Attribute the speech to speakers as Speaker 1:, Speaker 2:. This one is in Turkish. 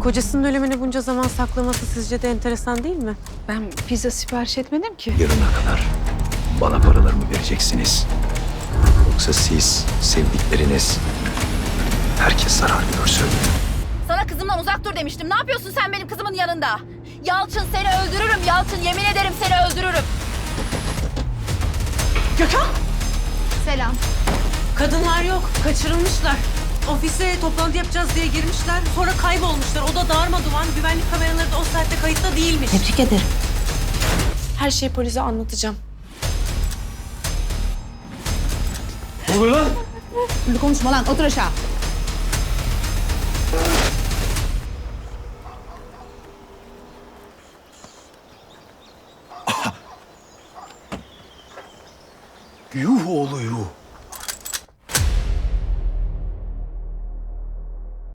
Speaker 1: Kocasının ölümünü bunca zaman saklaması sizce de enteresan değil mi?
Speaker 2: Ben pizza sipariş etmedim ki.
Speaker 3: Yarına kadar bana paralarımı vereceksiniz. Yoksa siz, sevdikleriniz, herkes zarar görsün.
Speaker 4: Sana kızımdan uzak dur demiştim. Ne yapıyorsun sen benim kızımın yanında? Yalçın seni öldürürüm Yalçın. Yemin ederim seni öldürürüm.
Speaker 1: Gökhan!
Speaker 4: Selam.
Speaker 1: Kadınlar yok, kaçırılmışlar. Ofise toplantı yapacağız diye girmişler. Sonra kaybolmuşlar. O da darmadağın. Güvenlik kameraları da o saatte kayıtta değilmiş.
Speaker 2: Tebrik ederim.
Speaker 1: Her şeyi polise anlatacağım.
Speaker 3: Ne oluyor lan?
Speaker 2: Bir konuşma lan, otur aşağı.
Speaker 3: Yuh oğlu yuh.